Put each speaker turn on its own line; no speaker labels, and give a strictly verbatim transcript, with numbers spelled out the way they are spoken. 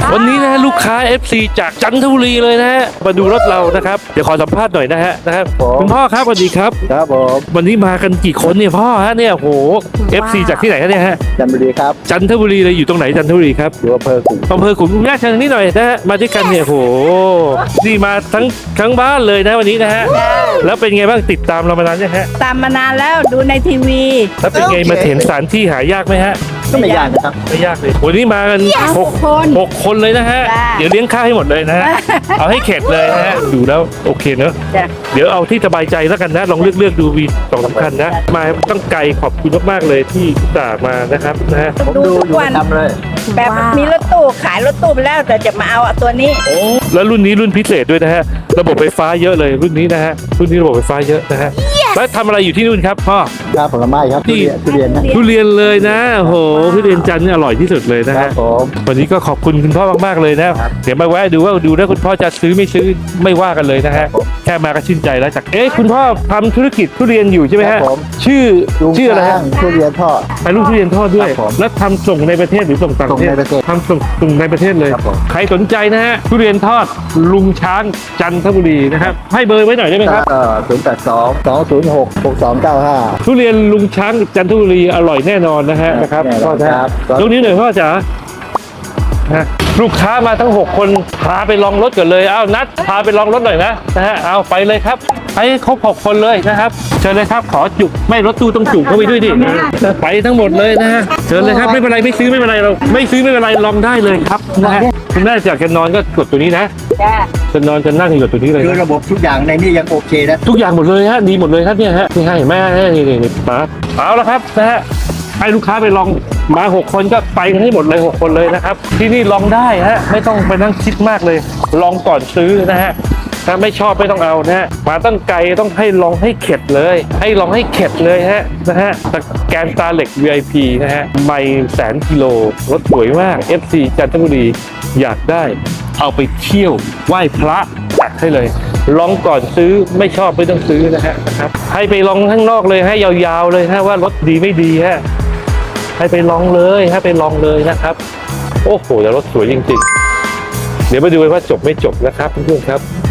วันนี้นะฮะลูกค้า เอฟ ซี จากจันทบุรีเลยนะฮะมาดูรถเรานะครับเดี๋ยวขอสัมภาษณ์หน่อยนะฮะนะครับคุณพ่อครับสวัสดีครับ
ครับผม
วันนี้มากันกี่คนเนี่ยพ่อฮะเนี่ยโห เอฟ ซี จากที่ไหนครับเนี่ยฮะ
จันทบุรีครับ
จันทบุรีเลยอยู่ตรงไหนจันทบุรีครับ
อยู่อำเภอขุน
อำเภอขุนแม่เชิญนี่หน่อยนะฮะมาด้วยกันเนี่ยโหนี่มาทั้งทั้งบ้านเลยนะวันนี้นะฮะแล้วเป็นไงบ้างติดตามเรามานานยังฮะ
ตามมานานแล้วดูในทีวี
แล้วเป็นไงมาเห็นสถานที่หายากไหมฮะ
ก็ไม่ยากนะครับ
ไม่ยากเลยวันนี้มากันหก
คน
หกคนเลยนะฮะ
จ้า
เดี๋ยวเลี้ยงข้าวให้หมดเลยนะฮะ เอาให้เข็ดเลยนะฮะ ดูแล้วโอเคเนอะ
จ้ะ
เดี๋ยวเอาที่สบายใจแล้วกันนะ ลองเลือกเลือกดูวีสองสำคัญนะ มาต้องไกลขอบคุณมากๆเลยที่จ่าห์มานะครับนะฮะ
ผมดูอยู่ประจำเลย
แบบมีรถตู้ขายรถตู้ไปแล้วแต่จะมาเอาตัวนี้
แล้วรุ่นนี้รุ่นพิเศษด้วยนะฮะ ระบบไฟฟ้าเยอะเลยรุ่นนี้นะฮะ รุ่นนี้ระบบไฟฟ้าเยอะนะฮะ แล้วทำอะไรอยู่ที่นู่นครับพ่อ
ครับผลไม้ครับทุเรียนทุเรียนนะ
ทุเรียนเลยนะโอ้โหทุเรียนจันทร์นี่อร่อยที่สุดเลยนะ
ครั
ฮะ
บผม
วันนี้ก็ขอบคุณคุณพ่อมากๆเลยนะ เดี๋ยวมาแวะดูว่าดูแล้วคุณพ่อจะซื้อไม่ซื้อไม่ว่ากันเลยนะฮะ แค่มาก็ชื่นใจแล้วจาก เอ๊ะคุณพ่อทำธุรกิจทุเรียนอยู่ใช่ไหม
ครั
ฮะ
บผม
ชื่อ
ลุง
ชื่ออะไร
ช้า
ฮะ
งทุเรียนทอด
ไปลูกทุเรียนทอดด้วย
ครับผม
แล้วทำส่งในประเทศหรือส่งต่างประเทศ
ส่งในประเทศ
ทำส่งส่งในประเทศเลย
ครับผม
ใครสนใจนะฮะทุเรียนทอดลุงช้างจันทบุรีนะครับ ให้เบอร์ไว้หน่อยได้ไหมครับ
เอ่อศูนย์แปดสองสองศูนย์หกหกสองเก้าห้า
ทุเรียนลุงช้างจันทบุรีอร่อยแน่นอนนะฮะนะครับ
แน่น
พ่อ
อน
นะครับ
ครับ
ยกนิ้วหน่อยพ่อจ๋าฮะลูกค้ามาทั้งหกคนพาไปลองรถก่อนเลยอ้าวนัดพาไปลองรถหน่อยนะนะฮะเอาไปเลยครับไปให้ครบหกคนเลยนะครับเชิญเลยครับขอจุกไม่รถตู้ต้องจุกเข้าไปด้วยดิไปทั้งหมดเลยนะฮะเชิญเลยครับไม่เป็นไรไม่ซื้อไม่เป็นไรเราไม่ซื้อไม่เป็นไรลองได้เลยครับนะฮะคุณแม่อยากจะนอนก็กดตัวนี้นะ
จ้า
จะนอนจะนั่งกดตัวนี้เลย
คือ
นะ
ระบบทุกอย่างในนี้ยังโอเคนะ
ทุกอย่างหมดเลยฮะดีหมดเลยครับเนี่ยฮะนี่ให้แม่ให้นี่นี่นี่มาเอาละครับนะฮะให้ลูกค้าไปลองมาหกคนก็ไปกันให้หมดเลยหกคนเลยนะครับที่นี่ลองได้ฮะไม่ต้องไปนั่งคิดมากเลย ลองก่อนซื้อนะฮะถ้าไม่ชอบไม่ต้องเอานะฮะมาตั้งไกลต้องให้ลองให้เข็ดเลย ให้ลองให้เข็ดเลยฮะนะฮะแกนตาเหล็ก วี ไอ พี นะฮะไม่แสนกิโลรถสวยมาก เอฟ ซี จันทบุรีอยากได้เอาไปเที่ยวไหว้พระจัดให้เลย ลองก่อนซื้อไม่ชอบไม่ต้องซื้อนะฮะนะครับให้ไปลองข้างนอกเลยให้ยาวๆเลยฮะว่ารถดีไม่ดีฮะให้ไปลองเลยให้ไปลองเลยนะครับโอ้โหแต่รถสวยจริงๆเดี๋ยวมาดูกันว่าจบไม่จบนะครับเพื่อนๆครับ